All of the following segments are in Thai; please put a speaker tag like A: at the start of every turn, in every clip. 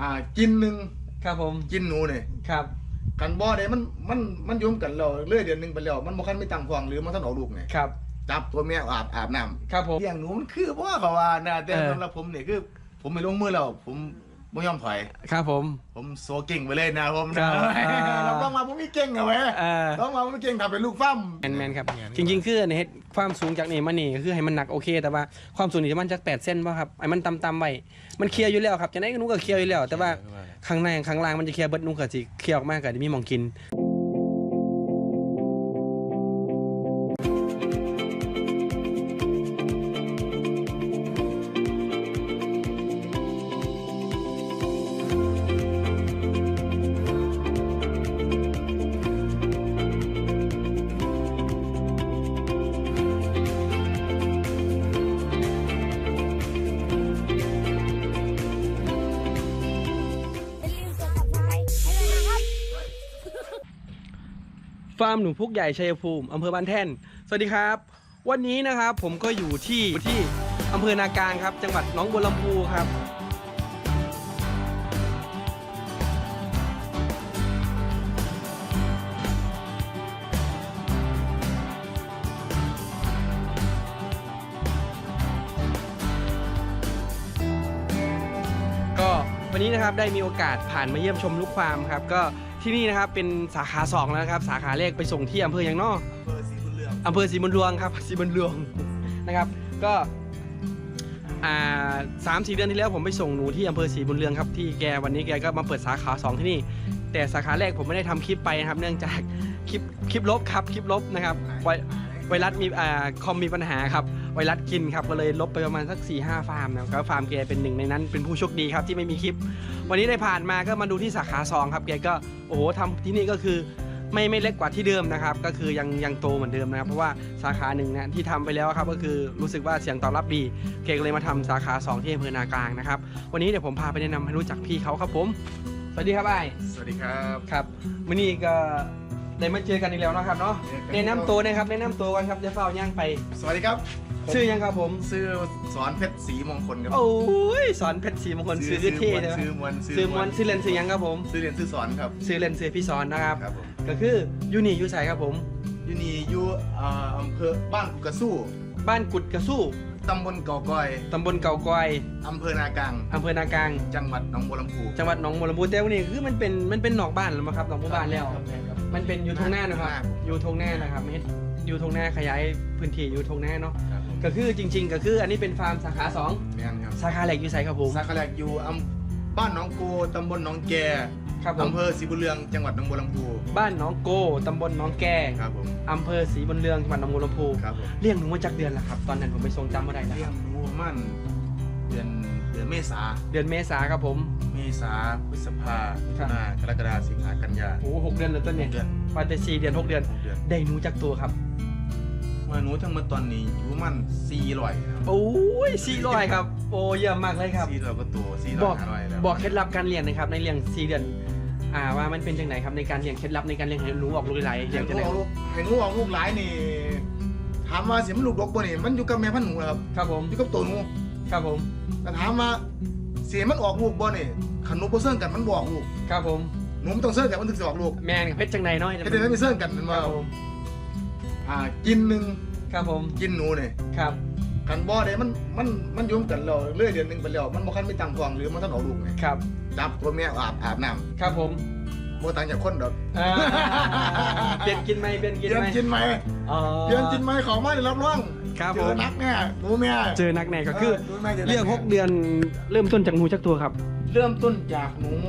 A: กินหนึ่ง
B: ครับผม
A: กินหนูเนี่ย
B: ครับ
A: กันบ่ได้มันยุ่มกันเราเรื่อยเดือนหนึ่งไปแล้วมันบ่คันไม่ตังฟองหรือมันท่านออกลูกไง
B: ครับ
A: จับตัวแม่อาบน้
B: ำครับผม
A: เลี้ยงหนูมันคือเพราะว่านะแต่สำหรับผมเนี่ยคือผมไม่ลงมือแล้วผมไม่ยอมถอย
B: ครับ
A: ผมโซเก่งไปเลยนะผม
B: เรา
A: ต้องมาผมไม่เก่งอะเว้ยต้องมาผมไม่เก่งทำเป็นลูกฟ้ำ
B: แมนครับจริงๆคือในความสูงจากนี่มันนี่คือให้มันหนักโอเคแต่ว่าความสูงนี่มันจัก8 เซนป่ะครับไอ้มันต่ำๆไว้มันเคลียร์อยู่แล้วครับจะไหนก็นุ้งก็เคลียร์อยู่แล้วแต่ว่าข้างในข้างล่างมันจะเคลียร์เบิดนุ้งก็สิเคลียร์ออกมาก็จะมีหม่องกินฟาร์มหนูพุกใหญ่ชัยภูมิอำเภอบ้านแท่นสวัสดีครับวันนี้นะครับผมก็อยู่ที่อำเภอนากลางครับจังหวัดหนองบัวลำพูครับก็วันนี้นะครับได้มีโอกาสผ่านมาเยี่ยมชมลูกฟาร์มครับก็ที่นี่นะครับเป็นสาขา2แล้วครับสาขาแรกไปส่งที่อำเภอยังนอกอำเภอศรีบุญเรืองครับศรีบุญเรืองนะครับก็3-4 เดือนที่แล้วผมไปส่งหนูที่อำเภอศรีบุญเรืองครับที่แกวันนี้แกก็มาเปิดสาขา2ที่นี่แต่สาขาแรกผมไม่ได้ทำคลิปไปนะครับเนื่องจากคลิปลบครับคลิปลบนะครับไวรัสมีคอมมีปัญหาครับไวรัสกินครับก็เลยลบไปประมาณสัก 4-5 ฟาร์มนะครับฟาร์มแกเป็นหนึ่งในนั้นเป็นผู้โชคดีครับที่ไม่มีคลิปวันนี้ได้ผ่านมาก็มาดูที่สาขา2ครับแกก็โอ้โหทำที่นี่ก็คือไม่เล็กกว่าที่เดิมนะครับก็คือยังโตเหมือนเดิมนะครับเพราะว่าสาขาหนึ่งนะที่ทำไปแล้วครับก็คือรู้สึกว่าเสียงตอบรับดีแกก็เลยมาทำสาขา2ที่อำเภอนากลางนะครับวันนี้เดี๋ยวผมพาไปแนะนำให้รู้จักพี่เขาครับผมสวัสดีครับไอ้
A: สวัสดีครับ
B: ครับวันนี้ก็ได้มาเจอกันอีกแล้วนะครับเนาะแนะนำตัวนะครับแนะนำตัวกันครับจะเฝ้าย่างไป
A: สวัสดีครับ
B: ชื่อยังครับผม
A: ชื่อสอนเพชรศรีมงคลครับ
B: โอ้ยสอนเพชรศรีมงคลชื่อเท่เลย
A: ชื่อมวน
B: ชื่อเล่นชื่อยังครับผม
A: ชื่อเล่นชื่อสอนครับ
B: ชื่อเล่นชื่อพี่สอนนะครับก็คือยูนี่ยูใส่ครับผม
A: ยูนี่อยู่อำเภอบ้านกุดกระสู้
B: บ้านกุดกระสู้
A: ตำบลเก่าก้อยอำเภอนากลางจังหวัดหนองบัวลำพู
B: แต่วันนี้คือมันเป็นหนองบ้านแล้วมั้งครับหนองบัวบ้านแล้วมันเป็นอยู่ทงหน้านะครับอยู่ทงหน้านะครับอยู่ทงหน้าขยายพื้นที่อยู่ทงหน้าเนาะก็คือจริงๆก็คืออันนี้เป็นฟาร์มสาขา2สาขาแรกอยู่ไสครับผม
A: สาขาแรกอยู่บ้านหนองโกตำบลหนองแกอำเภอศรีบุญเรืองจังหวัดหนองบัวลำพู
B: บ้านหนองโกตำบลหนองแกอำเภอศรีบุญเรืองจังหวัดหนองบัวลำพูเลี้ยงหนูมาจากเดือนละครับตอนนั้นผมไปทรงจำไม่ได้แล้ว
A: เลี้ยงหนูมันเดือนเมษา
B: ครับผม
A: เมษาพฤษภาคมกรกฎาคมสิงหากันยา
B: โอ้6 เดือนแล้วต้นเนี่ยวันแต่4 เดือน 6 เดือนได้หนูจากตัวครับ
A: ว่าหนูทั้งหมดตอนนี้อยู่มัน400ครับ
B: โอ้ย400ครับโอ้เยี่ยมมากเลยครับ
A: 400ก็ตัว400แล้ว
B: บอกเคล็ดลับการเลี้ยงนะครับในเลี้ยง4 เดือนว่ามันเป็นจังไหนครับในการเลี้ยงเคล็ดลับในการเลี้ยงให้หนูออกลูกหลาย
A: เลี้ยงจังไหนให้หนูออกลูกหลายนี่ถามว่าสิมันลูกดกบ่นี่มันอยู่กับแม่พันธุ์หนูครับ
B: ผม
A: อยู่กับตัวหนู
B: ครับผม
A: แต่ถามว่าเสียมันออกลูกบ่นี่ขันหนูบ่เสื่องกันมันบ่ออกลูก
B: ครับผม
A: หนูมันต้องเสื่องกันมันถึงจะออกลูก
B: แม่เพชรจังไหนน้อย
A: เพชรจังไหนไม่เสื่องกันมันว่ากินหนึ่ง
B: ครับผม
A: กินหนูเนี่ย
B: ครับ
A: กันบ่ได้มันยุ่มกันเราเรื่อยเดือนหนึ่งไปแล้วมันบ่คันไม่ตังฟองหรือมันท่านออกลูกไง
B: ครับ
A: จับตัวแม่อาบน้
B: ำครับผม
A: บ่ต่างจากคนดอก
B: เปลี่ยนกินไหม
A: เปลี่ยนกินไหมของมาได้รับรอง
B: ครับ
A: เจอนักแน่หนูแม่
B: เจอนักแน่ก็คือเลี้ยง6 เดือนเริ่มต้นจากหนูจักตัวครับ
A: เริ่มต้นจากหนู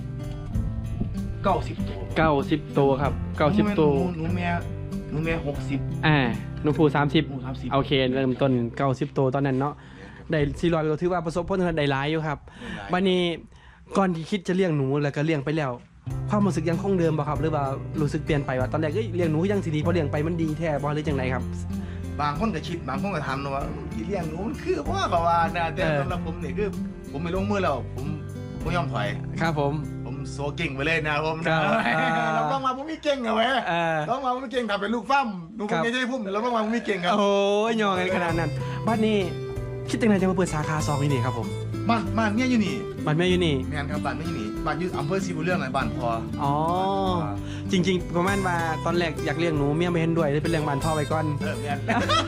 A: 90 ตัว
B: ครับ90 ตัว
A: หนูแม่60
B: หนูผู้30โอเคเริ่มต้น90 ตัวตอนนั้นเนาะได้400ก็ถือว่าประสบผลสำเร็จได้หลายอยู่ครับวันนี้ก่อนที่คิดจะเลี้ยงหนูแล้วก็เลี้ยงไปแล้วความรู้สึกยังคงเดิมบ่ครับหรือว่ารู้สึกเปลี่ยนไปว่าตอนแรกก็เลี้ยงหนูยังสิดีพอเลี้ยงไปมันดีแท้บ่หรือจังไดครับ
A: บางคนก็คิดบางคนก็ถามว่าที่เลี้ยงหนูมันคือเพราะว่านะแต่สำหรับผมนี่คือผมไม่ลงมือแล้วผมไม่ยอมถอย
B: ครับผม
A: โซเก่งไปเลยนะผมเราต้องมาผมไม่เก่งอะเว้ยต้องมาผมไม่เก่งทำเป็นลูกฟ้ำหนูผมไม่ใช่พุ่มเราต้องมาผมไม่เก่งครับ
B: โอ้ยยองกันขนาดนั้นบ้านนี้คิดยังไงจะมาเปิดสาขา2นี่ครับผม
A: บ้านเมียอยู่นี่
B: บ้านแม่อยู่นี่
A: แม่นครับบ้านเมียอยู่นี่บ้านอยู่อำเภอศรีบุญเรื่องไหนบ้านพอ
B: อ๋อจริงๆประมาณว่าตอนแรกอยากเลี้ยงหนูเมียไม่เห็นด้วยเลยเป็นเลี้ยงบ้านพ่อไปก่อน
A: แม่น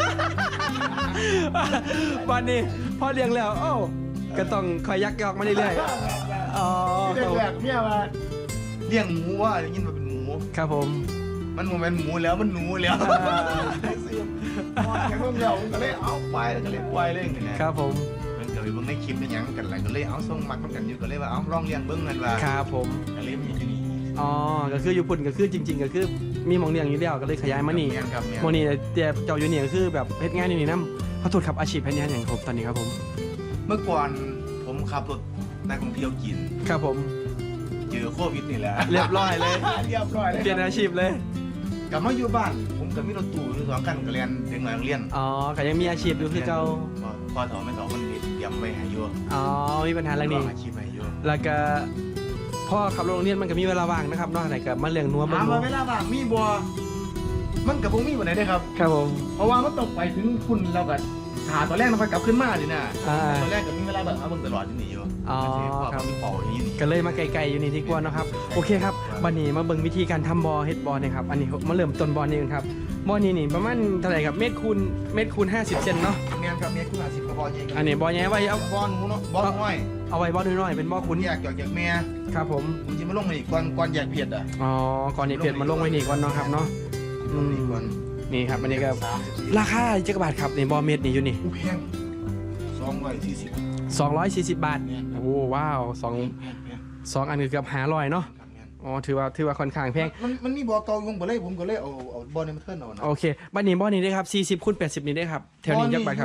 B: วันนี้พ่อเลี้ยงแล้วโอ้ก็ต้องคอยยักยอกมาเรื่อยๆอ๋อ
A: ที่แรกๆเมียว่าเลี้ยงหมูว่าได้ยินว่าเป็นหมู
B: ครับผม
A: มันบ่แม่นหมูแล้วมันหนูแล้วซื้อพอแข็งลงแล้วก็เลยเอาไปแล้วก็เลยปล่อยเลยอย่างเงี้ย
B: ครับผม
A: มันก็เลยเบิ่งในคลิปในหยังกันหลายก็เลยเอาส่งมักมันกันอยู่ก็เลยว่าเอาลองเลี้ยงเบิ่งนั่นว่า
B: ครับผม
A: ก็เลยมีที่นี่
B: อ๋อก็คืออยู่พุ่นก็คือจริง ๆ ก็คือมีหมองเลี้ยงอยู่แล้วก็เลยขยายมานี่
A: แม่นครับแม่น
B: หมองนี่แต่เจ้าอยู่นี่ก็คือแบบเฮ็ดงานอยู่นี่นำขอโทษครับอาชีพแค่นี้อย่างผมตอนนี้ครับผม
A: เมื่อก่อนผมขับรถนักท่องเที่ยวกิน
B: ครับผม
A: เจอโควิดนี่แหละ
B: เรียบร้อยเลย
A: เรียบร้อยเลย
B: เปลี่ยนอาชีพเลย
A: กลับมาอยู่บ้าน ผมกับมีรถตู้อยู่2คันก็เรียนเด็กน้อยโรงเรียน
B: อ๋อก็ยังมีอาชีพอยู่คือเก่า
A: พอถอไม่ถอมันเตรียมไว้ให้อยู่
B: อ๋อมีปัญหาเรื่องนี้
A: อาชีพให้อยู่
B: แล้วก็พ่อขับรถโรงเรียนมันก็มีเวลาว่างนะครับนอกจากนั้นก็มาเลี้ยงนัว
A: ถาม
B: นั
A: ว่าเวลาว่างมีบ่มันกับบ่มีบ่ได้เด้อครับ
B: ครับผม
A: เพราะว่ามันต้องไปถึงคุณแล้วก็หาตอนแรกมันค่อยกลับขึ้นมาดินะ
B: อ่า
A: ตอนแรกก็มีเวลาแบบเอาเบิ่งตลอดอยู่นี่อยู่
B: อ๋อ
A: ค
B: ครั
A: รับ บมีเป่าอย่างนี้นี่
B: ก็เลยมาไกลๆอยู่นี่ที่กวนเนาะครับโอเคครับบัดนี้มาเบิ่งวิธีการทำบอเฮ็ดบอเนี่ยครับอันนี้มาเริ่มต้นบอนี่กันครับบอนี่นี่ประมาณเท่าไหร่ครับเมตรคูณ50 เซนเนาะ
A: แม่นครับเมียคุณ50ก็พอเอง
B: อันนี้บอแย่ไว้เอา
A: บอลหนูเนาะบอลน้อย
B: เอาไว้บอน้อยๆเป็นบอ
A: คุ
B: คุณ ณ
A: อยากจอกจากแม่
B: ครับผม
A: ผมสิมาลงมาอีกก่อนแยกเพียดอ่ะ
B: อ๋อก่อนนี้เปลี่ยนมาลงไว้นี่ก่อนเนาะครับเนาะ
A: ลงอีกก่อน
B: นี่ครับอันนี้ก็
A: 34
B: ราคาจักรบาทครับนี่บอเมตรนี่อยู่นี่
A: อู้แพง240
B: 240 บาทโอ้ว้าวสอง
A: แพง
B: สองอันคือเกือบ500เนาะ
A: ครับแม่น
B: อ๋อถือว่าค่อนข้างแพง
A: มันมีบอลเก่าอยู่บ่เลยผมก็เลยเอาบอลในมาเทิร์นเอานะ
B: โอเคบ้านนี้บอนี้ได้ครับ40คูณ80นี่ได้ครับแถวนี้จักบาทครับ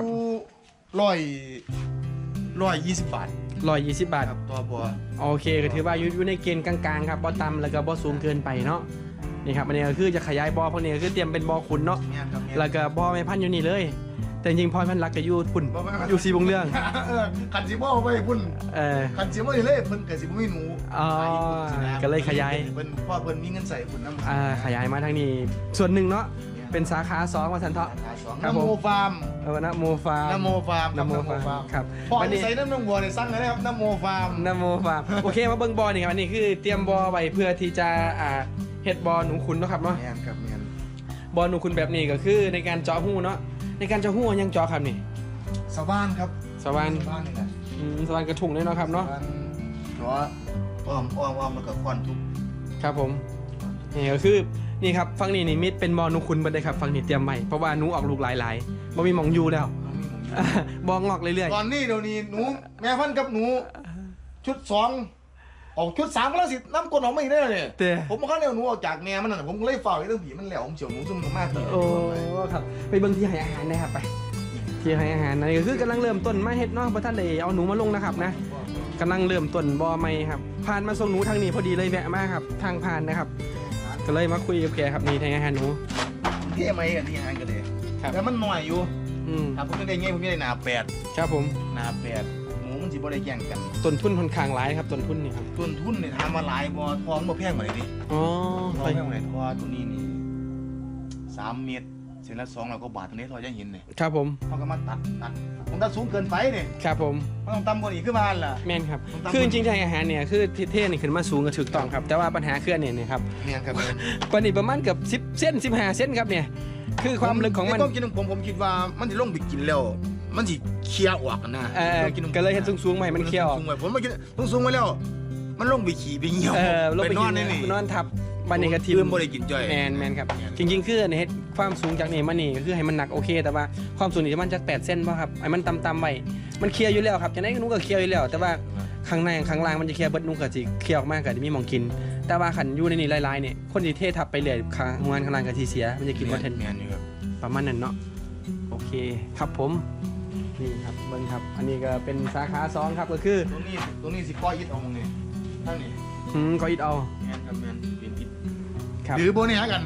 A: 120 บาท
B: 120 บาท
A: ครับตัวบอล
B: โอเคก็ถือว่าอยู่ในเกณฑ์กลางๆครับบ่ต่ำแล้วก็บ่สูงเกินไปเนาะนี่ครับอันนี้ก็คือจะขยายบ่อพวกนี้ก็คือเตรียมเป็นบ่อขุนเนาะ
A: แม่นครับแม่น
B: แล้วก็บ่อแม่พันธุ์อยู่นี่เลย แต่จริงๆพ่อพันธุ์รักก็อยู่ปุ่น
A: บ่แม่น
B: อยู่สีบงเรื่อง
A: คันสิบ่ไปพุ่น
B: เออ
A: คันสิบ่เลยเพิ่นก็สิบ่มีหนู
B: อ๋อก็เลยขยาย
A: เพิ่นพ่อเพิ่นมีเงินใส่พุ่นนำ
B: ขยายมาทางนี้ส่วนหนึ่งเนาะเป็นสาขา2ว่าสันเถาะ ครับ
A: น้ำ
B: ผม
A: โมฟาร์ม
B: นะโมฟาร์ม
A: น้ำโมฟาร์ม
B: นะโมฟาร์มครับ
A: พ่อ
B: วันนี้
A: ใส่น้ำนมวัวเนี่ยสั่งเลยนะครับน้ำโมฟาร์ม
B: นะโมฟาร์มโอเคมาเบิ่งบ่อนี่ครับอันนี้คือเตรียมบ่อไว้เพื่อที่จะเฮ็ดบ่อหนูขุนเนาะครับเนาะ
A: แม่นครับแม่น
B: บอลหนูคุณแบบนี้ก็คือในการเจาะหูเนาะในการเจาะหูยังเจาะครับนี่
A: สว่านครับ
B: สวรรค์
A: สว่านนี่แหละ
B: สวรรค์กระถุงเลยเนาะครับเนาะ
A: สว่เนาะอ้อมแล้วก็ควันทุบ
B: ครับผมนี่ก็คือนี่ครับฟังนี่นี่มิดเป็นบอลหนูคุณเบิดเลยครับฟังนี่เตรียมใหม่เพราะว่าหนูออกลูกหลายๆบ่มีหมองอยู่แล้วบองอกเรื่อย
A: ตอนนี้เดี๋ยวนี้หนูแม่พันธุ์กับหนูชุด2ออกชุด3ก็แล้วสิน้ำกลนออกมาอีกได้เลย
B: ๆแต่
A: ผมมาเข้าเร็วหนูออกจากแม่มันน่ะผมก็เลยเฝ้าไอ้เรื่องผีมันแหลวผมเฉียวหนูซุ่มมากผี
B: โอ้ครับไปเบิ่งที่ให้อาหารนะครับไปที่ให้อาหารนั่นก็คือกำลังเริ่มต้นมาเฮ็ดเนาะบ่ทันได้เอาหนูมาลงนะครับนะกำลังเริ่มต้นบ่อใหม่ครับผ่านมาส่งหนูทางนี้พอดีเลยแวะมาครับทางผ่านนะครับ ก็เลยมาคุยกับแกครับนี่ให้อาหารหนู
A: เท่ไหมอันนี้หางกันเลย
B: ครับ
A: แต่มันหน่อยอยู่
B: อืม
A: ถ้าผมไม่ได้เงี้ยผมไม่ได้หนาแปด
B: ครับผม
A: หนาแปดหมูมันสิบ่ได้แย่งกัน
B: ต้นทุนค่อนข้างหลายครับต้นทุนนี่ครับ
A: ต้นทุนเนี่ยทำมาหลายบ่ทองบ่แพงกว่าเลยดิ
B: อ๋อ
A: ทอง
B: ไป
A: แพงกว่าไหนทอตัวนี้นี่3 เมตรเส้นละ200กว่าบาทตัวนี้ทอจะเห็นเลย
B: ครับผม
A: เขาก็มาตัดผมตัดสูงเกินไปเนี่ย
B: ครับผม
A: มันต้องต่ำกว่านี้ขึ้นมาล่ะ
B: แม่นครับ
A: ผมตาม
B: คือจริงๆทางอาหารเนี่ยคือเท่นี่ขึ้นมาสูงก็ถูกต้องครับ แต่ว่าปัญหาคืออันนี้นะครับ
A: เนี่ยครับ
B: ปันนี้ประมาณเกือบ10 เส้น15 เส้นครับเนี่ยคือความลึกของมัน
A: ในความคิดของผมคิดว่ามันสิลงไปกินแล้ว มันสิเคลียร์ออกกันนะ
B: ก็เลยเห็นสูงๆใหม่มันเคี้ยว
A: สูงๆไว้ผมมากินสูงๆไว้แล้ว มันลงไปขี่ไปเหี่ยว
B: ลงไป
A: นอน
B: กิ
A: ในนี่
B: นอนทับบันนี้กระทิ
A: เริ่มบ่ได้กินจ้อย
B: แมนครับจริงๆคืออันนี้เฮ็ดความสูงจากนี่มานี่ก็คือให้มันหนักโอเค แต่ว่าความสูงนี่มันจัก8 เส้นป่ะครับไอ้มันต่ำๆไว้มันเคลียร์อยู่แล้วครับจังได๋หนูก็เคลียร์อยู่แล้ว แต่ว่าข้างในข้างล่างมันจะเคลียร์เบิดหนูก็สิเคลียร์ออกมาก็จะมีหม่องกิน แต่ว่าขันอยู่ในนี่ลายๆเนี่ยคนที่เททับไปเลยข้างงานข้างล่างก็สิเสียมันจะกินบ่ทัน
A: แม่นอยู่ครับ
B: ประมาณนั้นเนาะโอเคครับผมนี่ครับเบิ้งครับ อันนี้ก็เป็นสาขา2ครับก็คือ
A: ตัวนี้สิปล่อยอิดเอามึงนี่ทั้งนี้
B: ก็อิดเอา
A: แม่นครับแม่นเป็นอิด
B: ครับ
A: หรือโบเนี่ยกัน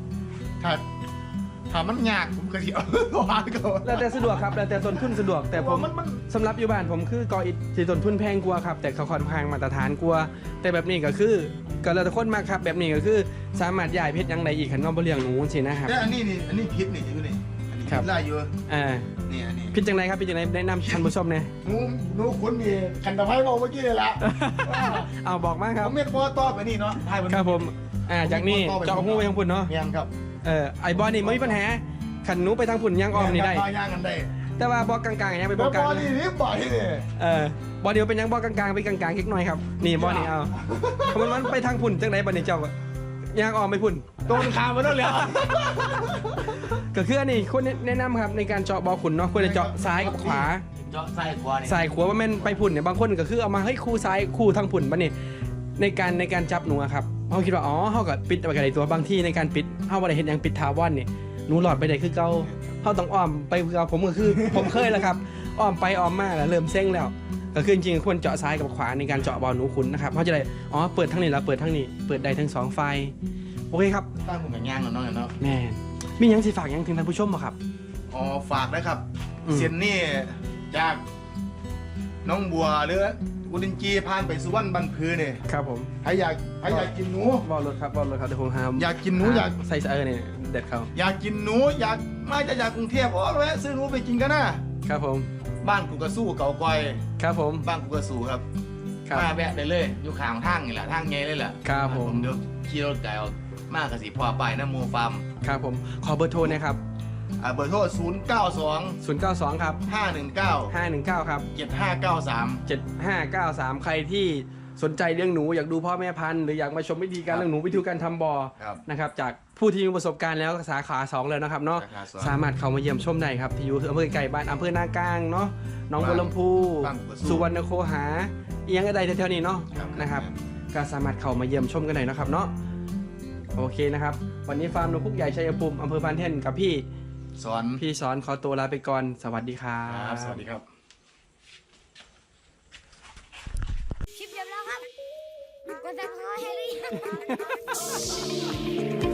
A: ถ้ามันยากผมก็สิเอาวางก่อน
B: แล้วแต่สะดวกครับแล้วแต่ต้นทุนสะดวกแต่ผม
A: มัน
B: สำหรับอยู่บ้านผมคือกออิดที่ต้นทุนแพงกว่าครับแต่เขาค่อนข้างมาตรฐานกว่าแต่แบบนี้ก็คือก็แล้วแต่คนมากครับแบบนี้ก็คือสามารถย้ายเพชรยังใดอีกขันว่าบ่เลี้ยงหนูสินะครับ
A: แต่อันนี้พิษนี่อยู่นี่อันนี้
B: ครับ
A: ไล่อยู่ นี่
B: พิจจังไรครับพิจจังไรแนะนำท่านผู้ชมเนี่ย
A: หนูคุณนี่ขันตะไคร้บอกเมื่อกี้เลยละ
B: เอาบอกมาครับ
A: ผมเม็ดบอต่อไปนี่เนาะ
B: ครับผมจากนี่เจาะหูไปทางพุ่นเนาะ
A: เมียนครับ
B: ไอบอลนี่ไม่มีปัญหาขันหนูไปทางพุ่นยังออมนี่ได้
A: ย่างกันได้
B: แต่ว่าบอกกลางๆยังไปบ
A: แล้
B: อ
A: ว
B: กกลาง
A: บอลนี่รีบบ่อยนี่
B: บอลเดียวเป็นยังบอกกลางๆไปกลางๆเล็กน้อยครับนี่บอลนี่เอาเพราะมันไปทางพุ่นจังไรบอลนี่เจ้ายังออมไปพุ่น
A: โดนขามาแล้วเหรอ
B: ก็คืออันนี้ควรแนะนำครับในการเจาะบอลขุนเนาะควรจะเจาะซ้ายกับขวา
A: เจาะซ้ายขวานี่
B: ซ้ายขวาว่าแม่นไปพุ่นเนี่ยบางคนก็คือเอามาให้คู่ซ้ายคู่ทางพุ่นมาเนี่ยในการจับหนูอะครับเขาคิดว่าอ๋อเขาก็ปิดไปกันในตัวบางที่ในการปิดเขาบ่ได้เห็นอย่างปิดทาวอนนี่หนูหลอดไปได้คือเก่าเขาต้องอ้อมไปคือเก่าผมก็คือ ผมเคยแล้วครับอ้อมไปอ้อมมาแล้วเริ่มเซ็งแล้วก็คือจริงๆควรเจาะซ้ายกับขวาในการเจาะบอลหนูขุนนะครับเขาจะได้อ๋อเปิดทั้งนี้แล้วเปิดทั้งนี้เปิดได้ทั้งสองไฟโอเคครับ
A: ตั้งผมอย่างย่างเนาะเนาะ
B: แม่มียังสิฝากยังถึงท่านผู้ชมบ่ครับ
A: อ๋อฝากนะครับเซียนนี่จากน้องบัวหรืออุดินจีผ่านไปสุวรรณบันพือเนี่ย
B: ครับผม
A: ใครอยากกินหนู
B: บอลรถครับบอลรถครับเดี๋ยวผมหา
A: อยากกินหนูอยาก
B: ใส่เนี่ยเด็ดเขา
A: อยากกินหนูอยากมาจากกรุงเทพอ๋อแวะซื้อหนูไปกินกันนะครับ
B: ผม
A: บ้านกูกระสู้เก่ากอย
B: ครับผม
A: บ้านกูกระสู้ครับ
B: ครับ
A: มาแวะได้เลยอยู่ข้างทางนี่แหละทางไงเลยแหละ
B: ครับผม
A: เดี๋ยวขี่รถไกลออกมากกสิพอไปนะโมฟาร์ม
B: ครับผมขอเบอร์โทรนะครับ
A: เบอร์โทร
B: 092 ครับ
A: 092
B: 519 ครับ
A: 519
B: 7593 ใครที่สนใจเรื่องหนูอยากดูพ่อแม่พันธุ์หรืออยากมาชมวิธีการเลี้ยงหนูวิธีการทำบ่อ
A: 73ครับ
B: นะครับจากผู้ที่มีประสบการณ์แล้วสาขา2แล้วนะครับเนาะ
A: สาขาสอง
B: สามารถเข้ามาเยี่ยมชมได้ครับที่อยู่อำเภอไก่บ้านอำเภอนากลางเนาะหน้องบัวลำพู
A: บ้านบัวสู้
B: สุวรรณโคหาเอียงอะไรแถวๆนี้เนาะ
A: ครับ
B: นะครับก็สามารถเข้ามาเยี่ยมชมกันได้นะครับเนาะโอเคนะครับวันนี้ฟาร์มนกพุกใหญ่ชัยภูมิอำเภอพานเท่นกับพี่
A: สอน
B: สอนขอตัวลาไปก่อนสวัสดีครั
A: ครับ บสวัสดีครับ
C: คลิปจบแล้วครับกดติดตามให้หรือยัง